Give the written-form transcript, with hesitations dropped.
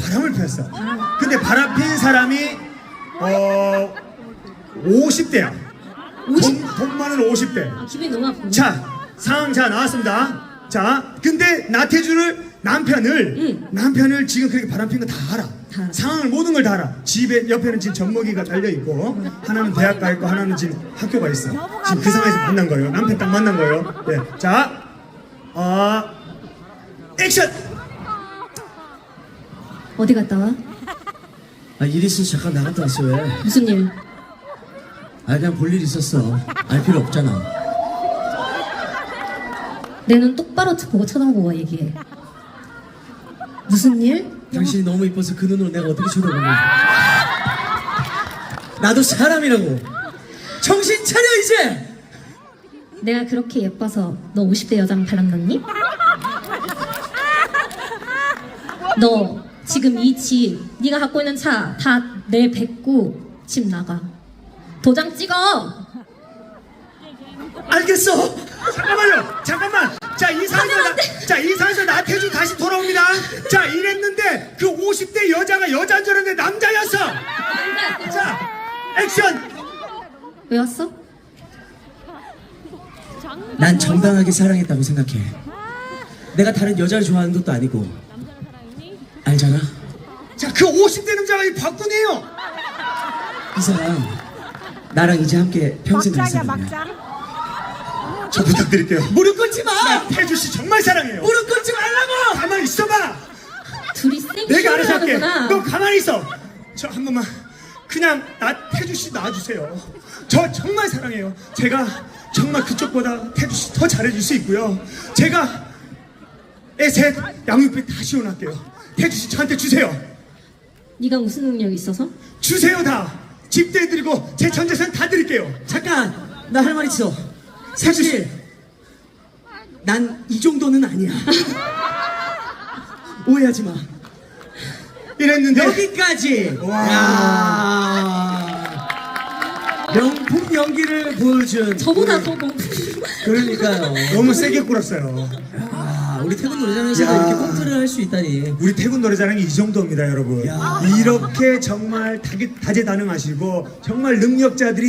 바람을 피웠어. 근데 바람 핀 사람이 50대야. 돈 많은 50대. 아, 기분이 너무 아프네. 자, 상황 자 나왔습니다. 자, 근데 나태주를 남편을 지금 그렇게 바람핀 거 다 알아. 상황을 모든 걸 다 알아. 집에 옆에는 지금 젖먹이가 달려 있고, 하나는 대학 가 있고, 하나는 지금 학교가 있어. 지금 그 상황에서 만난 거예요. 남편 딱 만난 거예요. 네, 자, 액션. 어디 갔다 와? 아, 일 있어서 잠깐 나갔다 왔어. 왜? 무슨 일? 아, 그냥 볼 일 있었어. 알 필요 없잖아. 내 눈 똑바로 보고 쳐다보고 얘기해. 무슨 일? 당신이 너무 이뻐서 그 눈으로 내가 어떻게 쳐다보냐. 나도 사람이라고. 정신 차려 이제. 내가 그렇게 예뻐서 너 50대 여자랑 바람났니? 너 지금 이 집, 네가 갖고 있는 차 다 내 뱉고 집 나가. 도장 찍어. 알겠어. 잠깐만요. 잠깐만. 자, 이 상황에서 나태주 다시 돌아옵니다. 자, 이랬는데 그 50대 여자가 여자인 줄 알았는데 남자였어. 자, 액션. 왜 왔어? 난 정당하게 사랑했다고 생각해. 내가 다른 여자를 좋아하는 것도 아니고. 알잖아. 자, 그 50대 남자가 이 박군이에요. 이 사람 나랑 이제 함께 평생 갈 사람이야. 저 부탁드릴게요. 무릎 꿇지 마. 나태주 씨 정말 사랑해요. 무릎 꿇지 말라고. 가만히 있어봐. 둘이 세게 내가 알아서 할게. 하는구나. 너 가만히 있어. 저 한 번만 그냥 나태주 씨 놔주세요. 저 정말 사랑해요. 제가 정말 그쪽보다 태주 씨 더 잘해줄 수 있고요. 제가 애 셋 양육비 다 지원할게요. 태주 씨 저한테 주세요. 네가 무슨 능력이 있어서? 주세요 다. 집도 해드리고 제 전 재산 다 드릴게요. 잠깐, 나 할 말 있어. 사실 난 이 정도는 아니야. 오해하지 마. 이랬는데 여기까지. 와. 야. 명품 연기를 보여준. 저보다 더 너무 그러니까요. 너무 세게 꿇었어요. 아, 우리 태국 노래장에서 야. 이렇게 꽁트를 할 수 있다니. 우리 태국 노래자랑이 이 정도입니다, 여러분. 야. 이렇게 정말 다재다능하시고 정말 능력자들이